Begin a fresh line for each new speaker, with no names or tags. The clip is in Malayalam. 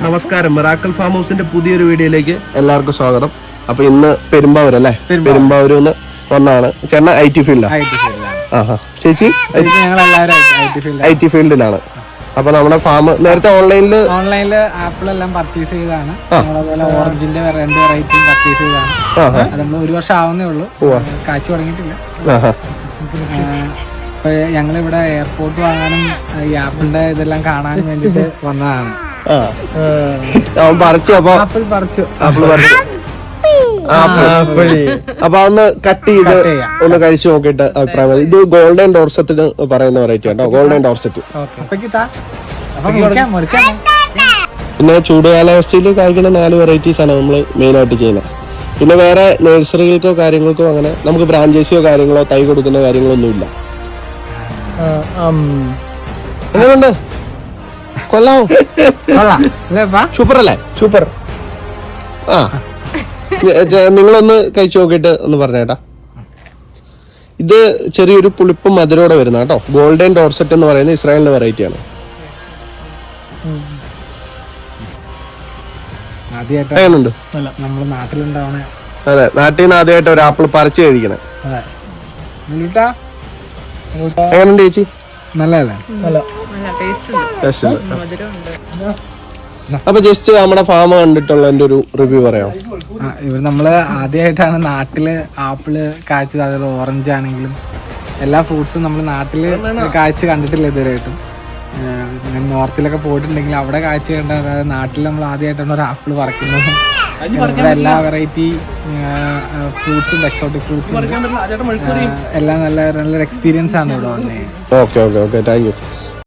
നമസ്കാരം, മിറാക്കിൾ ഫാം ഹൗസിന്റെ പുതിയൊരു വീഡിയോയിലേക്ക്
എല്ലാവർക്കും സ്വാഗതം. അപ്പൊ ഇന്ന് പെരുമ്പാവൂർ അല്ലേ? പെരുമ്പാവൂരിൽ നിന്ന് വന്നാണ്. ചേട്ടൻ IT ഫീൽഡിലാണ്. ചേച്ചി IT ഫീൽഡിലാണ്. അപ്പൊ നമ്മുടെ ഫാം നേരത്തെ ഓൺലൈനില്
ആപ്പിൾ എല്ലാം പർച്ചേസ് ചെയ്താണ്. അതുപോലെ ഓറഞ്ചിന്റെ 2 വെറൈറ്റി പർച്ചേസ് ചെയ്താണ്. അത് നമ്മൾ 1 വർഷം ആവുന്നേ ഉള്ളൂ, കാച്ചു തുടങ്ങിയിട്ടില്ല. ഞങ്ങളിവിടെ എയർപോർട്ട് വാങ്ങാനും ഈ ആപ്പിളിന്റെ ഇതെല്ലാം കാണാനും വേണ്ടിട്ട് വന്നതാണ്. ആപ്പിൾ പറിച്ചു.
അപ്പൊ ഒന്ന് കട്ട് ചെയ്ത് ഒന്ന് കഴിച്ചു നോക്കിയിട്ട് അഭിപ്രായം. ഇത് ഗോൾഡൻ ഡോർസെറ്റിന് പറയുന്ന വെറൈറ്റി കേട്ടോ, ഗോൾഡൻ ഡോർസെറ്റ്. പിന്നെ ചൂടുകാലാവസ്ഥയിൽ കായ്ക്കുന്ന 4 വെറൈറ്റീസ് ആണ് നമ്മൾ മെയിൻ ആയിട്ട് ചെയ്യുന്നത്. പിന്നെ വേറെ നഴ്സറികൾക്കോ കാര്യങ്ങൾക്കോ അങ്ങനെ നമുക്ക് ബ്രാഞ്ചേഴ്സിയോ കാര്യങ്ങളോ തൈ കൊടുക്കുന്ന കാര്യങ്ങളൊന്നും ഇല്ല. എങ്ങനെയുണ്ട്? കൊള്ളാമോ? സൂപ്പർ അല്ലേ? സൂപ്പർ. ആ, നിങ്ങളൊന്ന് കഴിച്ചു നോക്കിയിട്ട് ഒന്ന് പറഞ്ഞേട്ടാ. ഇത് ചെറിയൊരു പുളിപ്പും മധുരോടെ വരുന്ന കേട്ടോ. ഗോൾഡൻ ഡോർസെറ്റ് എന്ന് പറയുന്ന ഇസ്രായേലിന്റെ വെറൈറ്റി ആണ്. എങ്ങനെയുണ്ട്? അതെ, നാട്ടിൽ നിന്ന് ആദ്യമായിട്ട് ഒരു ആപ്പിൾ പറിച്ചു കഴിക്കണേ. എങ്ങനെയുണ്ട് ചേച്ചി?
നല്ലതല്ലേ?
അപ്പൊ ജസ്റ്റ് നമ്മുടെ ഫാം കണ്ടിട്ടുള്ള എന്റെ ഒരു റിവ്യൂ പറയാം.
ഇവർ നമ്മള് ആദ്യമായിട്ടാണ് നാട്ടില് ആപ്പിള് കാഴ്ചത്. അതുപോലെ ഓറഞ്ച് ആണെങ്കിലും എല്ലാ ഫ്രൂട്ട്സും നമ്മൾ നാട്ടില് കാഴ്ച കണ്ടിട്ടില്ല ഇതുവരെയായിട്ടും. നോർത്തിലൊക്കെ പോയിട്ടുണ്ടെങ്കിൽ അവിടെ കാഴ്ച കണ്ട, അതായത് നാട്ടിൽ നമ്മൾ ആദ്യമായിട്ടാണ് ഒരു ആപ്പിൾ പറിക്കുന്നതും എല്ലാ വെറൈറ്റി ഫ്രൂട്ട്സും എക്സോട്ടിക് ഫ്രൂട്ട്സും എല്ലാം നല്ലൊരു എക്സ്പീരിയൻസ് ആണ് ഇവിടെ വന്നത്.
Okay, thank U.